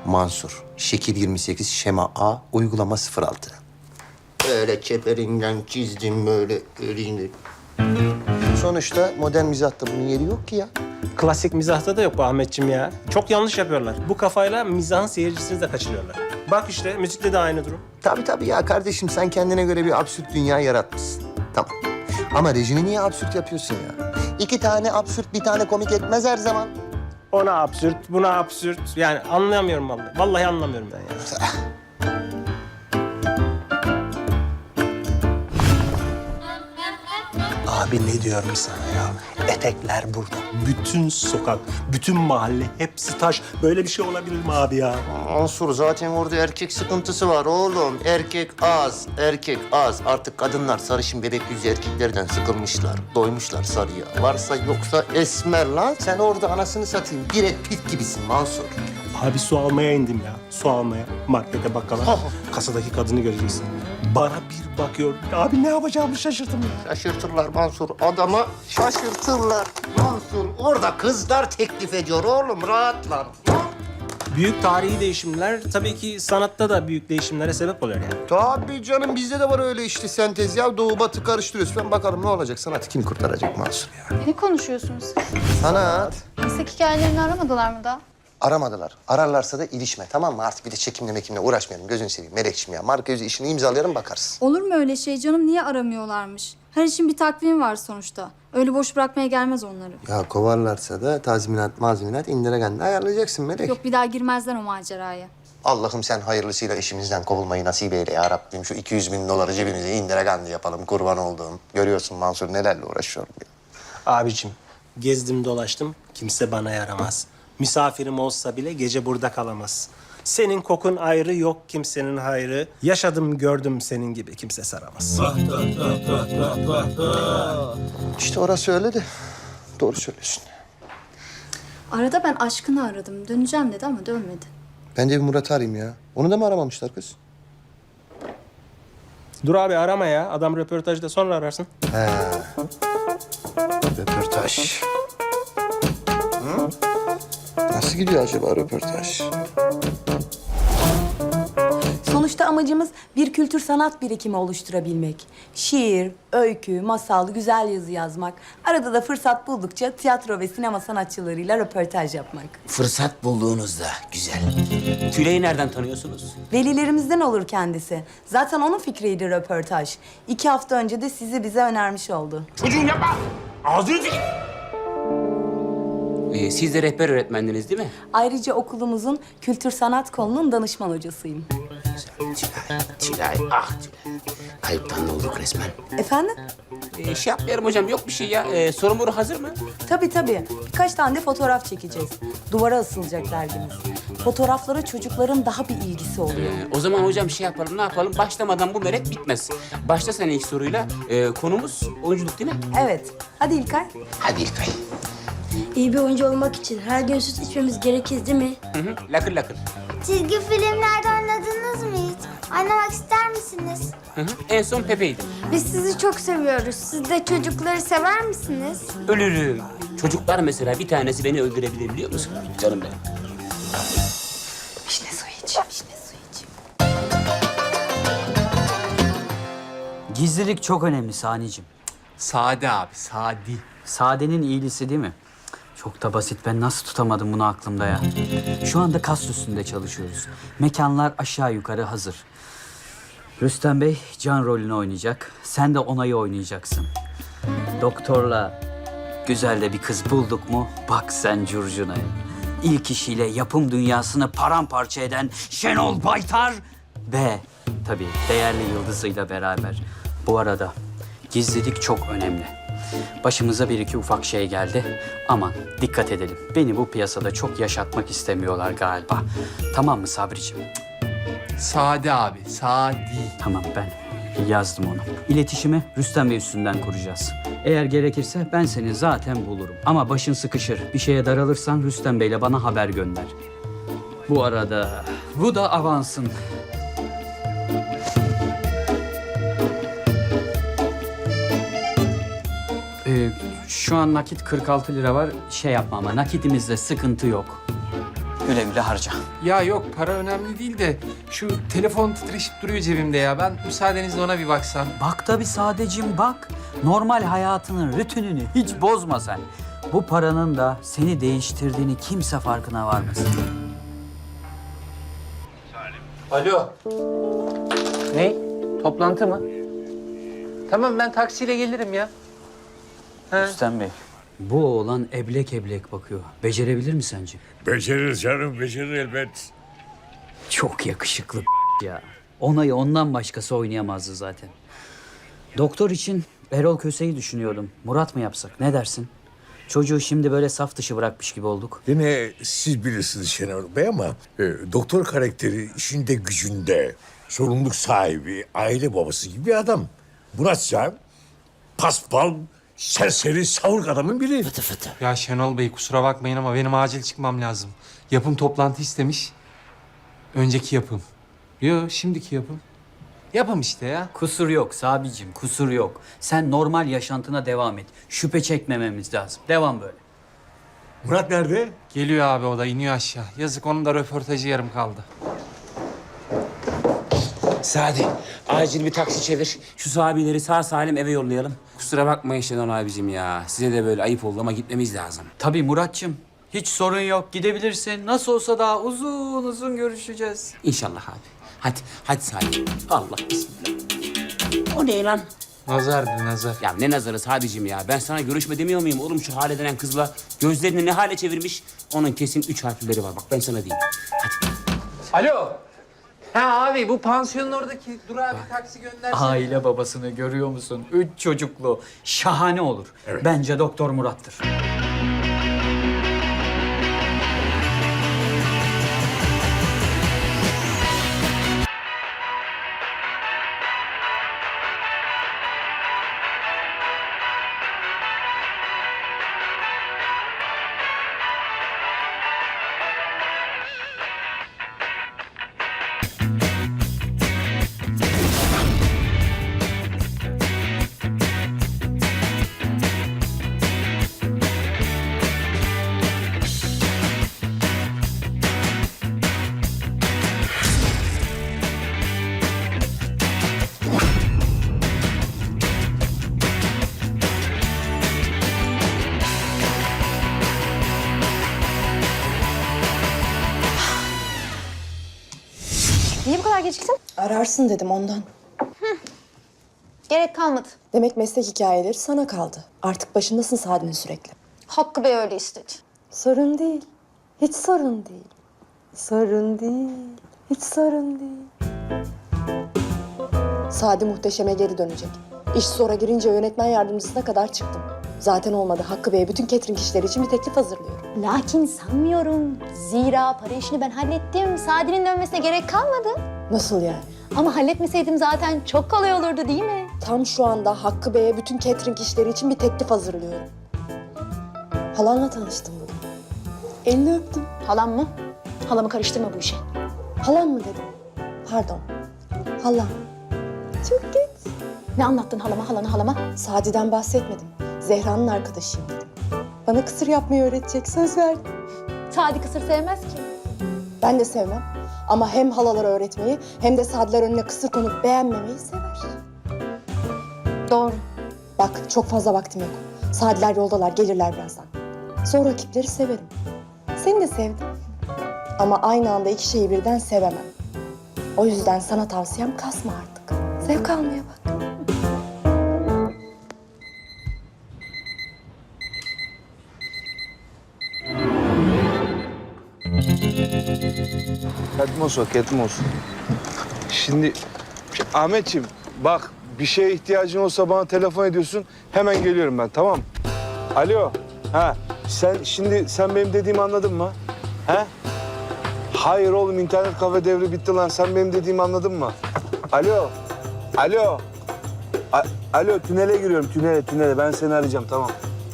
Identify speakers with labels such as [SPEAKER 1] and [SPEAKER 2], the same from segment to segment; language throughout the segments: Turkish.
[SPEAKER 1] Mansur. Şekil 28, şema A, uygulama 06. Böyle çeperinden çizdim böyle elini. Sonuçta modern mizahta bunun yeri yok ki ya.
[SPEAKER 2] Klasik mizahta da yok bu Ahmetciğim ya. Çok yanlış yapıyorlar. Bu kafayla mizahın seyircisini de kaçırıyorlar. Bak işte müzikte de aynı durum.
[SPEAKER 1] Tabii ya kardeşim, sen kendine göre bir absürt dünya yaratmışsın. Tamam. Ama rejini niye absürt yapıyorsun ya? 2 tane absürt, bir tane komik etmez her zaman.
[SPEAKER 2] Ona absürt, buna absürt. Yani anlayamıyorum vallahi. Vallahi anlamıyorum ben ya. Abi ne diyorum sana ya? Etekler burada. Bütün sokak, bütün mahalle hepsi taş. Böyle bir şey olabilir mi abi ya?
[SPEAKER 1] Mansur, zaten orada erkek sıkıntısı var oğlum. Erkek az, erkek az. Artık kadınlar sarışın bebek yüzlü erkeklerden sıkılmışlar. Doymuşlar sarıya. Varsa yoksa esmer lan. Sen orada anasını satayım. Brad Pitt gibisin Mansur.
[SPEAKER 2] Abi su almaya indim ya. Su almaya. Markete, bakkala. Kasadaki kadını göreceksin. Bana bir bakıyor. Abi ne yapacağımı şaşırdım ya.
[SPEAKER 1] Şaşırtırlar Mansur. Adama şaşırtırlar. Mansur, orada kızlar teklif ediyor oğlum. Rahat lan.
[SPEAKER 2] Büyük tarihi değişimler tabii ki sanatta da büyük değişimlere sebep oluyor yani.
[SPEAKER 1] Tabii canım, bizde de var öyle işte sentez ya. Doğu batı karıştırıyoruz. Ben bakalım ne olacak? Sanatı kim kurtaracak Mansur ya?
[SPEAKER 3] Ne konuşuyorsunuz siz?
[SPEAKER 1] Sanat.
[SPEAKER 3] Meslek hikayelerini aramadılar mı da?
[SPEAKER 1] Aramadılar. Ararlarsa da ilişme, tamam mı? Artık bir de çekimle mekimle uğraşmayalım. Gözünü seveyim Melekçim ya. Marka yüzü işini imzalayalım, bakarsın.
[SPEAKER 4] Olur mu öyle şey canım? Niye aramıyorlarmış? Her işin bir takvimi var sonuçta. Öyle boş bırakmaya gelmez onları.
[SPEAKER 1] Ya kovarlarsa da tazminat, mazminat indiregenle ayarlayacaksın Melek.
[SPEAKER 4] Yok, bir daha girmezler o maceraya.
[SPEAKER 1] Allah'ım sen hayırlısıyla işimizden kovulmayı nasip eyle ya Rabbim. Şu 200.000 doları cebimize indiregenle yapalım, kurban olduğum. Görüyorsun Mansur, nelerle uğraşıyorum ya.
[SPEAKER 2] Abicim, gezdim dolaştım. Kimse bana yaramaz. Misafirim olsa bile gece burada kalamaz. Senin kokun ayrı, yok kimsenin hayrı. Yaşadım gördüm senin gibi kimse saramaz.
[SPEAKER 1] İşte orası öyle de. Doğru söylüyorsun.
[SPEAKER 4] Arada ben aşkını aradım. Döneceğim dedi ama dönmedi.
[SPEAKER 1] Ben de bir Murat'ı arayayım ya. Onu da mı aramamışlar kız?
[SPEAKER 2] Dur abi arama ya. Adam röportajda sonra ararsın.
[SPEAKER 1] He. Röportaj. Hı? Nasıl gidiyor acaba röportaj?
[SPEAKER 5] Sonuçta amacımız bir kültür sanat birikimi oluşturabilmek. Şiir, öykü, masal, güzel yazı yazmak. Arada da fırsat buldukça tiyatro ve sinema sanatçılarıyla röportaj yapmak.
[SPEAKER 6] Fırsat bulduğunuzda güzel. Tülay'ı nereden tanıyorsunuz?
[SPEAKER 5] Velilerimizden olur kendisi. Zaten onun fikriydi röportaj. 2 hafta önce de sizi bize önermiş oldu.
[SPEAKER 6] Çocuğum yapma! Ağzını dik! Siz de rehber öğretmendiniz değil mi?
[SPEAKER 5] Ayrıca okulumuzun kültür sanat kolunun danışman hocasıyım.
[SPEAKER 6] Tülay, ah Tülay. Kayıptan da olduk resmen.
[SPEAKER 5] Efendim?
[SPEAKER 6] Şey yapmayalım hocam, yok bir şey ya. Sorun hazır mı?
[SPEAKER 5] Tabii. Birkaç tane de fotoğraf çekeceğiz. Duvara asılacak dergimiz. Fotoğraflara çocukların daha bir ilgisi oluyor.
[SPEAKER 6] O zaman hocam şey yapalım, ne yapalım? Başlamadan bu merak bitmez. Başla sen ilk soruyla. Konumuz oyunculuk değil mi?
[SPEAKER 5] Evet. Hadi İlkay.
[SPEAKER 6] Hadi İlkay.
[SPEAKER 7] İyi bir oyuncu olmak için her gün süt içmemiz gerekir değil mi?
[SPEAKER 6] Hı, lakır lakır.
[SPEAKER 7] Çizgi filmlerde oynadınız mı hiç? Oynamak ister misiniz?
[SPEAKER 6] Hı, en son Pepe'ydi.
[SPEAKER 7] Biz sizi çok seviyoruz. Siz de çocukları sever misiniz?
[SPEAKER 6] Ölürüm. Çocuklar mesela bir tanesi beni öldürebilir biliyor musun? Canım benim.
[SPEAKER 5] Vişne suyu iç. Vişne suyu iç.
[SPEAKER 8] Gizlilik çok önemli Sani'cim.
[SPEAKER 9] Sade abi, sadi.
[SPEAKER 8] Sadenin iyilisi değil mi? Çok da basit. Ben nasıl tutamadım bunu aklımda ya? Şu anda kas üstünde çalışıyoruz. Mekanlar aşağı yukarı hazır. Rüstem Bey Can rolünü oynayacak. Sen de Onay'ı oynayacaksın. Doktorla güzel de bir kız bulduk mu? Bak sen curcunaya. İlk işiyle yapım dünyasını paramparça eden Şenol Baytar ve tabii değerli yıldızıyla beraber. Bu arada gizlilik çok önemli. Başımıza bir iki ufak şey geldi. Aman dikkat edelim. Beni bu piyasada çok yaşatmak istemiyorlar galiba. Tamam mı Sabriciğim?
[SPEAKER 9] Sade abi, sadi.
[SPEAKER 8] Tamam, ben yazdım onu. İletişimi Rüstem Bey üstünden kuracağız. Eğer gerekirse ben seni zaten bulurum. Ama başın sıkışır. Bir şeye daralırsan Rüstem Bey'le bana haber gönder. Bu arada bu da avansın. Şu an nakit 46 lira var. Şey yapma ama nakitimizde sıkıntı yok. Güle güle harca.
[SPEAKER 10] Ya yok para önemli değil de şu telefon titreşip duruyor cebimde ya. Ben müsaadenizle ona bir baksam.
[SPEAKER 8] Bak tabii sadecim bak. Normal hayatının rutinini hiç bozma sen. Bu paranın da seni değiştirdiğini kimse farkına varmasın.
[SPEAKER 10] Alo. Ne? Toplantı mı? Tamam ben taksiyle gelirim ya.
[SPEAKER 8] Rüstem Bey. Bu oğlan eblek eblek bakıyor. Becerebilir mi sence?
[SPEAKER 11] Becerir canım, becerir elbet.
[SPEAKER 8] Çok yakışıklı ya. Onayı ondan başkası oynayamazdı zaten. Doktor için Erol Köse'yi düşünüyordum. Murat mı yapsak? Ne dersin? Çocuğu şimdi böyle saf dışı bırakmış gibi olduk.
[SPEAKER 11] Yine siz bilirsiniz Şenol Bey ama doktor karakteri işinde gücünde, sorumluluk sahibi, aile babası gibi bir adam. Muratsa paspal, serseri, savurk adamın biri.
[SPEAKER 10] Ya Şenol Bey kusura bakmayın ama benim acil çıkmam lazım. Yapım toplantı istemiş. Önceki yapım. Yo şimdiki yapım. Yapım işte ya.
[SPEAKER 8] Kusur yok Sabicim, kusur yok. Sen normal yaşantına devam et. Şüphe çekmememiz lazım. Devam böyle.
[SPEAKER 11] Murat nerede?
[SPEAKER 10] Geliyor abi o da iniyor aşağı. Yazık onun da röportajı yarım kaldı.
[SPEAKER 6] Sadi, acil bir taksi çevir. Şu sahabileri sağ salim eve yollayalım. Kusura bakmayın Şenol abicim ya. Size de böyle ayıp oldu ama gitmemiz lazım.
[SPEAKER 8] Tabii Muratçım. Hiç sorun yok. Gidebilirsin. Nasıl olsa daha uzun uzun görüşeceğiz.
[SPEAKER 6] İnşallah abi. Hadi Sadi. Allah bismillah. O ne lan?
[SPEAKER 10] Nazardı nazar.
[SPEAKER 6] Ya ne nazarı Sadicim ya. Ben sana görüşme demiyor muyum oğlum şu hale denen kızla? Gözlerini ne hale çevirmiş? Onun kesin 3 harfleri var. Bak ben sana diyeyim. Hadi.
[SPEAKER 10] Alo. Ha abi bu pansiyonun oradaki durağa bir taksi göndersene.
[SPEAKER 8] Aile babasını görüyor musun? 3 çocuklu. Şahane olur. Bence Doktor Murat'tır.
[SPEAKER 3] Niye bu kadar geciktin?
[SPEAKER 12] Ararsın dedim ondan.
[SPEAKER 3] Gerek kalmadı.
[SPEAKER 12] Demek meslek hikayeleri sana kaldı. Artık başındasın Sadi'nin sürekli.
[SPEAKER 3] Hakkı Bey öyle istedi.
[SPEAKER 12] Sorun değil. Hiç sorun değil. Sorun değil. Hiç sorun değil. Sadi muhteşeme geri dönecek. İş zora girince yönetmen yardımcısına kadar çıktım. Zaten olmadı. Hakkı Bey'e bütün catering işleri için bir teklif hazırlıyorum.
[SPEAKER 3] Lakin sanmıyorum. Zira para işini ben hallettim. Sadi'nin dönmesine gerek kalmadı.
[SPEAKER 12] Nasıl yani?
[SPEAKER 3] Ama halletmeseydim zaten çok kolay olurdu değil mi?
[SPEAKER 12] Tam şu anda Hakkı Bey'e bütün catering işleri için bir teklif hazırlıyorum. Halanla tanıştım bugün. Elini öptüm.
[SPEAKER 3] Halam mı? Halamı karıştırma bu işe.
[SPEAKER 12] Halam mı dedim? Pardon. Halam. Çok geç.
[SPEAKER 3] Ne anlattın halama?
[SPEAKER 12] Sadi'den bahsetmedim. Zehra'nın arkadaşıyım dedim. Bana kısır yapmayı öğretecek, söz verdim.
[SPEAKER 3] Sadi kısır sevmez ki.
[SPEAKER 12] Ben de sevmem. Ama hem halalara öğretmeyi hem de Sadiler önüne kısır konup beğenmemeyi sever.
[SPEAKER 3] Doğru.
[SPEAKER 12] Bak çok fazla vaktim yok. Sadiler yoldalar, gelirler birazdan. Zor rakipleri severim. Seni de sevdim. Ama aynı anda iki şeyi birden sevemem. O yüzden sana tavsiyem kasma artık. Zevk almaya bak.
[SPEAKER 13] Ketmos olsun. Şimdi Ahmetciğim bak bir şeye ihtiyacın olsa bana telefon ediyorsun. Hemen geliyorum ben, tamam mı? Alo. Ha sen benim dediğimi anladın mı? He? Hayır oğlum, internet kafe devri bitti lan. Sen benim dediğimi anladın mı? Alo. Alo, tünele giriyorum, tünele. Ben seni arayacağım, tamam.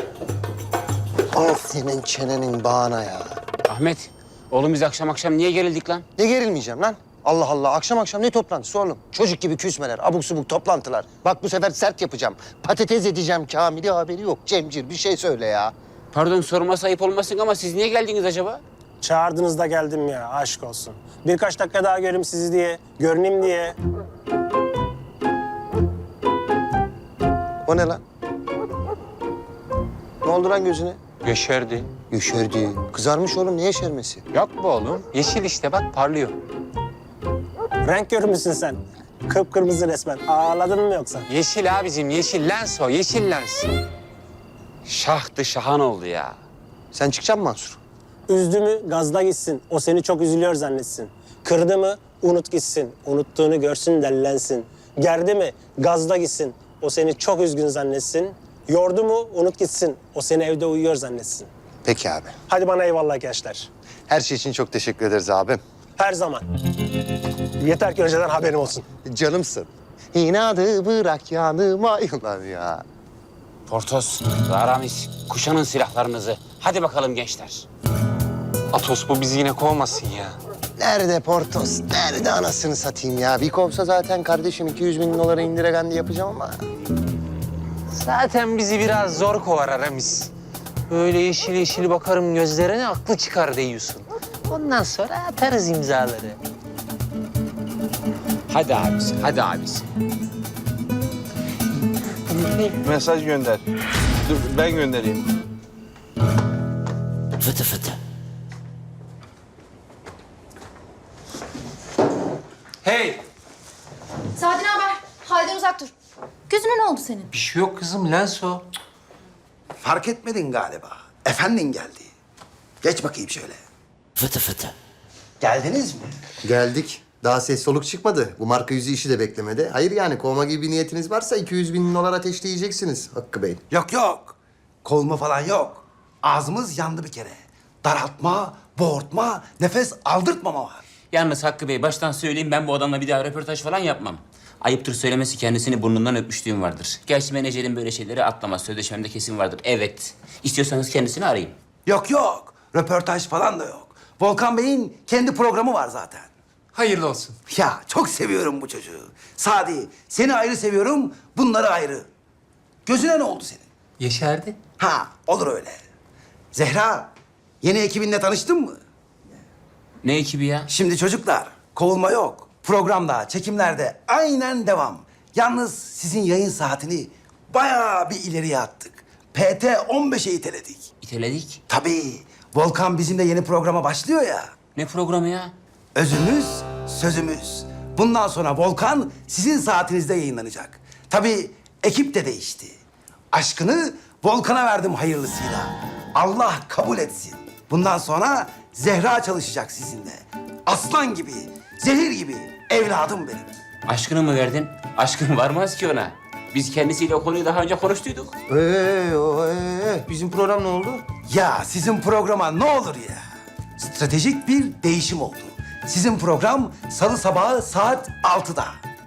[SPEAKER 1] Al senin çenenin bağına ya.
[SPEAKER 6] Ahmet, oğlum biz akşam niye gerildik lan?
[SPEAKER 1] Ne gerilmeyeceğim lan? Allah Allah, akşam ne toplantısı oğlum? Çocuk gibi küsmeler, abuk subuk toplantılar. Bak bu sefer sert yapacağım. Patates edeceğim Kamil'i, haberi yok. Cemcir bir şey söyle ya.
[SPEAKER 6] Pardon sorması ayıp olmasın ama siz niye geldiniz acaba?
[SPEAKER 2] Çağırdınız da geldim ya, aşk olsun. Birkaç dakika daha göreyim sizi diye, görüneyim diye.
[SPEAKER 1] O ne lan? Ne oldu lan gözüne?
[SPEAKER 10] Yeşerdi.
[SPEAKER 1] Yeşerdi. Kızarmış oğlum, ne yeşermesi?
[SPEAKER 10] Yok bu oğlum. Yeşil işte bak parlıyor.
[SPEAKER 2] Renk körü müsün sen? Kıpkırmızı resmen. Ağladın mı yoksa?
[SPEAKER 10] Yeşil abicim yeşil lens o yeşil lens.
[SPEAKER 6] Şahtı şahan oldu ya.
[SPEAKER 1] Sen çıkacaksın mı Mansur?
[SPEAKER 2] Üzdü mü gazda gitsin. O seni çok üzülüyor zannetsin. Kırdı mı unut gitsin. Unuttuğunu görsün dellensin. Gerdi mi gazda gitsin. O seni çok üzgün zannetsin. Yordu mu unut gitsin. O seni evde uyuyor zannetsin.
[SPEAKER 1] Peki abi.
[SPEAKER 2] Hadi bana eyvallah gençler.
[SPEAKER 1] Her şey için çok teşekkür ederiz abim.
[SPEAKER 2] Her zaman. Yeter ki önceden haberim olsun.
[SPEAKER 1] Canımsın. İnadı bırak yanıma yılan ya.
[SPEAKER 6] Portos, Aramis, kuşanın silahlarınızı. Hadi bakalım gençler.
[SPEAKER 10] Atos bu bizi yine kovmasın ya.
[SPEAKER 1] Nerede Portos? Nerede anasını satayım ya? Bir kovsa zaten kardeşim 200.000 dolara indiregendi yapacağım ama.
[SPEAKER 10] Zaten bizi biraz zor kovar Aramis. Böyle yeşil yeşil bakarım gözlerine aklı çıkar diyorsun. Ondan sonra atarız imzaları.
[SPEAKER 6] Hadi abisi, hadi abisi.
[SPEAKER 13] Mesaj gönder. Dur ben göndereyim.
[SPEAKER 6] Fıtı fıtı.
[SPEAKER 10] Hey!
[SPEAKER 3] Sadi ne haber? Halden uzak dur. Gözüne ne oldu senin?
[SPEAKER 10] Bir şey yok kızım lens o.
[SPEAKER 14] Fark etmedin galiba. Efendin geldi. Geç bakayım şöyle.
[SPEAKER 6] Fıtı fıtı.
[SPEAKER 14] Geldiniz mi?
[SPEAKER 1] Geldik. Daha ses soluk çıkmadı. Bu marka yüzü işi de beklemedi. Hayır yani kovma gibi bir niyetiniz varsa 200.000 dolar ateşleyeceksiniz Hakkı Bey.
[SPEAKER 14] Yok yok. Kovulma falan yok. Ağzımız yandı bir kere. Daraltma, boğurtma, nefes aldırtmama var.
[SPEAKER 6] Yalnız Hakkı Bey baştan söyleyeyim ben bu adamla bir daha röportaj falan yapmam. Ayıptır söylemesi kendisini burnundan öpmüşlüğüm vardır. Gerçi menajerin böyle şeyleri atlamaz. Sözleşmemde kesin vardır. Evet. İstiyorsanız kendisini arayın.
[SPEAKER 14] Yok yok. Röportaj falan da yok. Volkan Bey'in kendi programı var zaten.
[SPEAKER 10] Hayırlı olsun.
[SPEAKER 14] Ya çok seviyorum bu çocuğu. Sadi, seni ayrı seviyorum, bunları ayrı. Gözüne ne oldu senin?
[SPEAKER 10] Yeşerdi.
[SPEAKER 14] Ha, olur öyle. Zehra, yeni ekibinle tanıştın mı?
[SPEAKER 6] Ne ekibi ya?
[SPEAKER 14] Şimdi çocuklar, kovulma yok. Programda, çekimlerde aynen devam. Yalnız sizin yayın saatini bayağı bir ileriye attık. PT 15'e iteledik.
[SPEAKER 6] İteledik.
[SPEAKER 14] Tabii, Volkan bizimle yeni programa başlıyor ya.
[SPEAKER 6] Ne programı ya?
[SPEAKER 14] Özümüz, sözümüz. Bundan sonra Volkan sizin saatinizde yayınlanacak. Tabii ekip de değişti. Aşkını Volkan'a verdim hayırlısıyla. Allah kabul etsin. Bundan sonra Zehra çalışacak sizinle. Aslan gibi, zehir gibi evladım benim.
[SPEAKER 6] Aşkını mı verdin? Aşkın varmaz ki ona. Biz kendisiyle o konuyu daha önce konuştuyduk.
[SPEAKER 1] Bizim program ne oldu?
[SPEAKER 14] Ya sizin programa ne olur ya. Stratejik bir değişim oldu. Sizin program salı sabahı saat 6'da.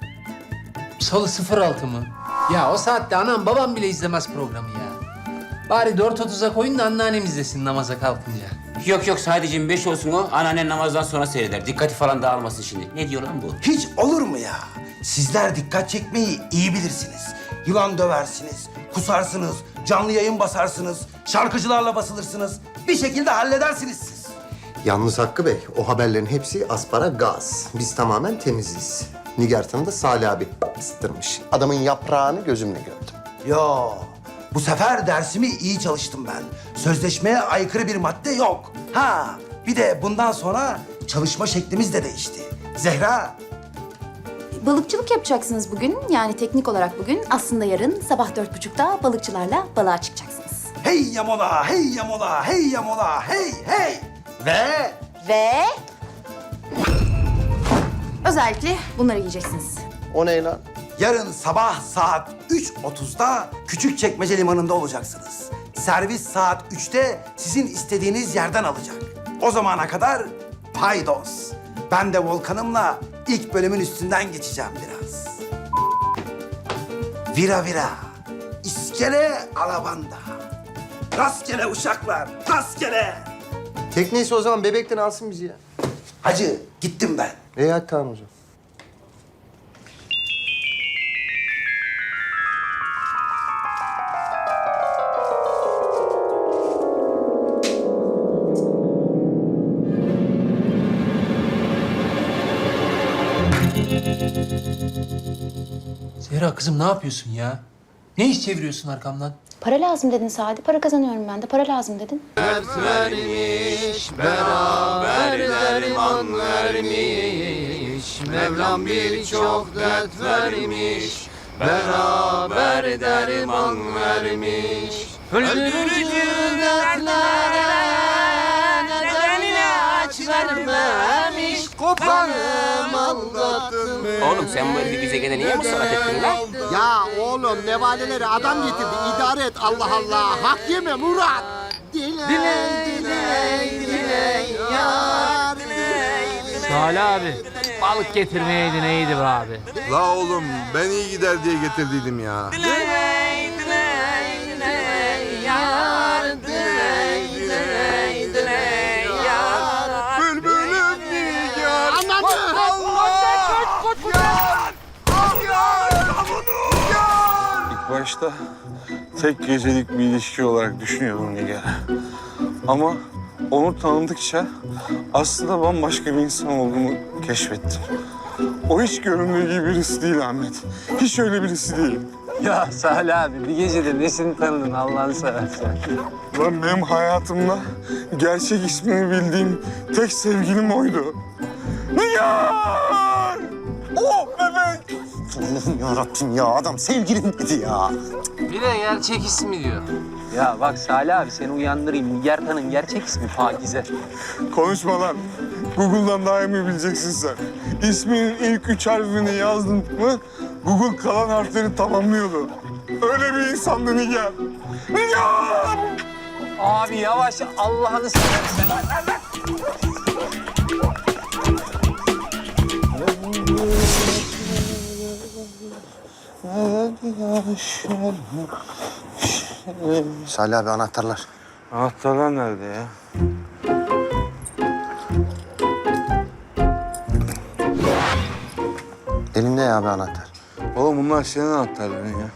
[SPEAKER 9] Salı 06 mı? Ya o saatte anam babam bile izlemez programı ya. Bari 4.30'a koyun da anneannem izlesin namaza kalkınca.
[SPEAKER 6] Yok yok sadece 5 olsun o. Anneannen namazdan sonra seyreder. Dikkati falan dağılmasın şimdi. Ne diyor lan bu?
[SPEAKER 14] Hiç olur mu ya? Sizler dikkat çekmeyi iyi bilirsiniz. Yılan döversiniz, kusarsınız, canlı yayın basarsınız, şarkıcılarla basılırsınız. Bir şekilde halledersiniz siz.
[SPEAKER 1] Yalnız Hakkı Bey, o haberlerin hepsi asparagas. Biz tamamen temiziz. Nigartan'ı da Salih abi ısıtırmış. Adamın yaprağını gözümle gördüm.
[SPEAKER 14] Yo, bu sefer dersimi iyi çalıştım ben. Sözleşmeye aykırı bir madde yok. Ha, bir de bundan sonra çalışma şeklimiz de değişti. Zehra,
[SPEAKER 3] Balıkçılık yapacaksınız bugün. Yani teknik olarak bugün. Aslında yarın sabah 4.30'da balıkçılarla balığa çıkacaksınız.
[SPEAKER 14] hey yamola, hey yamola, hey yamola, hey hey.
[SPEAKER 3] Ve özellikle bunları yiyeceksiniz.
[SPEAKER 1] O ne lan?
[SPEAKER 14] Yarın sabah saat 3.30'da Küçükçekmece Limanı'nda olacaksınız. Servis saat 3'te sizin istediğiniz yerden alacak. O zamana kadar paydos. Ben de Volkan'ımla ilk bölümün üstünden geçeceğim biraz. Vira vira, iskele alabanda. Rastgele uşaklar, rastgele.
[SPEAKER 1] Tekneyse o zaman bebekten alsın bizi ya.
[SPEAKER 14] Hacı, gittim ben.
[SPEAKER 1] İyi hadi tamam o zaman.
[SPEAKER 9] Zehra kızım ne yapıyorsun ya? Ne iş çeviriyorsun arkamdan?
[SPEAKER 3] Para lazım dedin Sadi. Para kazanıyorum ben de. Para lazım dedin.
[SPEAKER 1] Mevlam birçok dert vermiş, beraber derman vermiş. Öldürücü dertlere neden ilaç vermemiş, kopanım aldattım.
[SPEAKER 6] Oğlum sen bu elli güzegede niye musallat ettin lan?
[SPEAKER 1] Ya oğlum nevaleleri adam getirdi, idare et Allah Allah. Hak yeme Murat. Diley, yar diley.
[SPEAKER 10] Salih abi, balık getirmeyeydin iyiydi be abi.
[SPEAKER 13] La oğlum ben iyi gider diye getirdiydim ya. Bülbülüm nigar. İlk başta tek gecelik bir ilişki olarak düşünüyordum Nigar. Ama onu tanıdıkça aslında bambaşka bir insan olduğumu keşfettim. O hiç göründüğü gibi birisi değil Ahmet. Hiç öyle birisi değil.
[SPEAKER 10] Ya Salih abi, bir gecede nesini tanıdın Allah'ını seversen?
[SPEAKER 13] Lan benim hayatımda gerçek ismini bildiğim tek sevgilim oydu. Nigar! Oh bebek!
[SPEAKER 1] Allah'ım yarabbim ya adam sevgilim dedi ya.
[SPEAKER 10] Bir de gerçek ismi diyor. Ya bak Salih abi, seni uyandırayım. Nigartan'ın gerçek ismi Pakize.
[SPEAKER 13] Konuşma lan. Google'dan daha iyi mi bileceksin sen? İsminin ilk 3 harfini yazdın mı Google kalan harfleri tamamlıyordu. Öyle bir insandı Nigar. Nigar!
[SPEAKER 10] Abi yavaş, Allah'ını seversen.
[SPEAKER 1] Salih abi anahtarlar.
[SPEAKER 13] Anahtarlar nerede ya?
[SPEAKER 1] Elimde ya abi anahtar.
[SPEAKER 13] Oğlum bunlar senin anahtarların ya.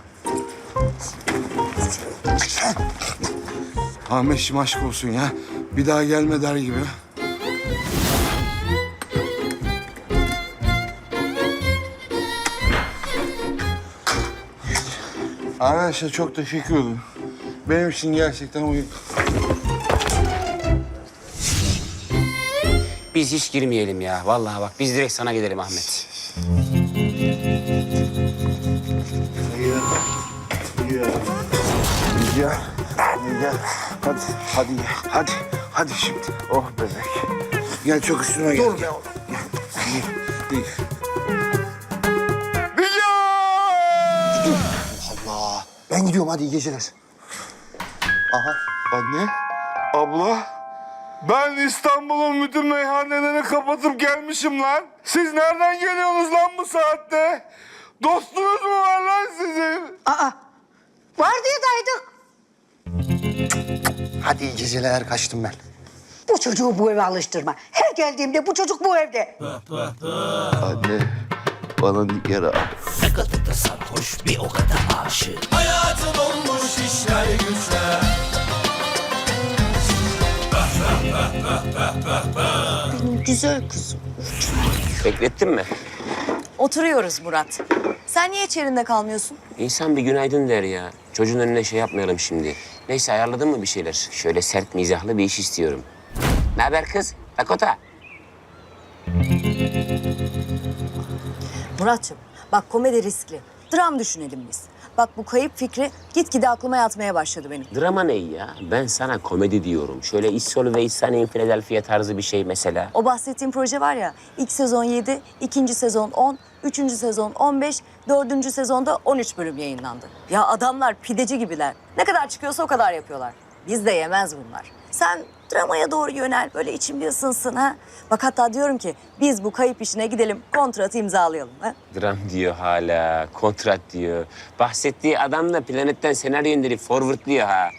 [SPEAKER 13] Ahmetciğim aşk olsun ya. Bir daha gelme der gibi. Arkadaşlar çok teşekkür ederim. Benim için gerçekten uygun.
[SPEAKER 6] Biz hiç girmeyelim ya. Vallahi bak biz direkt sana gidelim Ahmet.
[SPEAKER 13] Gel. Gel. Hadi gel. Hadi şimdi. Oh bebek. Gel çok üstüne gel. Dur be oğlum. Değil.
[SPEAKER 1] Allah. Ben gidiyorum hadi iyi geceler. Aha.
[SPEAKER 13] Anne, abla. Ben İstanbul'un bütün meyhanelerini kapatıp gelmişim lan. Siz nereden geliyorsunuz lan bu saatte? Dostunuz mu var lan sizin?
[SPEAKER 15] Vardiyadaydık.
[SPEAKER 1] Hadi iyi geceler kaçtım ben.
[SPEAKER 15] Bu çocuğu bu eve alıştırma. Her geldiğimde bu çocuk bu evde.
[SPEAKER 13] Anne, bana Nigar abi.
[SPEAKER 16] Ne kadar da sarhoş bir o kadar aşık. Hayatım olmuş işler güçler.
[SPEAKER 15] Benim güzel kızım.
[SPEAKER 6] Beklettin mi?
[SPEAKER 5] Oturuyoruz Murat. Sen niye içerinde kalmıyorsun?
[SPEAKER 6] İnsan bir günaydın der ya. Çocuğun önüne şey yapmayalım şimdi. Neyse ayarladın mı bir şeyler? Şöyle sert mizahlı bir iş istiyorum. Ne haber kız? Dakota.
[SPEAKER 5] Murat'cığım bak komedi riskli. Dram düşünelim biz. Bak bu kayıp fikri gitgide aklıma yatmaya başladı benim.
[SPEAKER 6] Drama ne ya? Ben sana komedi diyorum. Şöyle İssol ve İhsan Philadelphia tarzı bir şey mesela.
[SPEAKER 5] O bahsettiğim proje var ya, ilk sezon 7, ikinci sezon 10, üçüncü sezon 15, dördüncü sezonda 13 bölüm yayınlandı. Ya adamlar pideci gibiler. Ne kadar çıkıyorsa o kadar yapıyorlar. Biz de yemez bunlar. Sen dramaya doğru yönel, böyle içim bir ısınsın ha. Bak hatta diyorum ki biz bu kayıp işine gidelim, kontratı imzalayalım ha.
[SPEAKER 6] Dram diyor hala, kontrat diyor. Bahsettiği adam da planetten senaryo indirip forwardlıyor ha.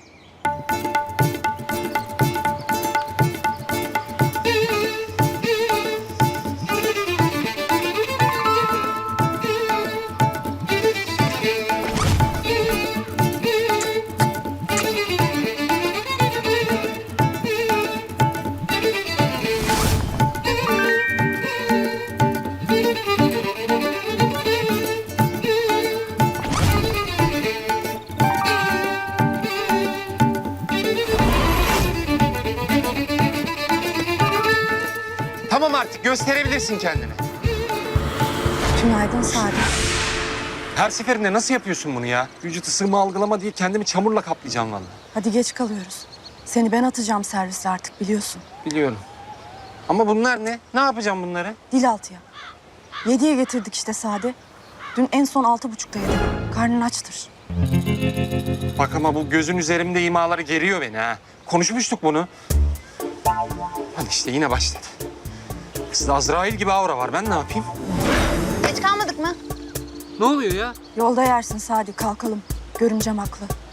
[SPEAKER 10] gösterebilirsin kendini.
[SPEAKER 12] Günaydın Sadi.
[SPEAKER 10] Her seferinde nasıl yapıyorsun bunu ya? Vücut ısımı algılama diye kendimi çamurla kaplayacağım vallahi.
[SPEAKER 12] Hadi geç kalıyoruz. Seni ben atacağım serviste artık biliyorsun.
[SPEAKER 10] Biliyorum. Ama bunlar ne? Ne yapacağım bunları?
[SPEAKER 12] Dil altıya. 7'ye getirdik işte Sadi. Dün en son 6.30'da yedim. Karnın açtır.
[SPEAKER 10] Bak ama bu gözün üzerimde imaları geriyor beni ha. Konuşmuştuk bunu. Hadi işte yine başladı. Kızda Azrail gibi aura var. Ben ne yapayım?
[SPEAKER 3] Geç kalmadık mı?
[SPEAKER 10] Ne oluyor ya?
[SPEAKER 12] Yolda yersin Sadi kalkalım. Görümcem haklı.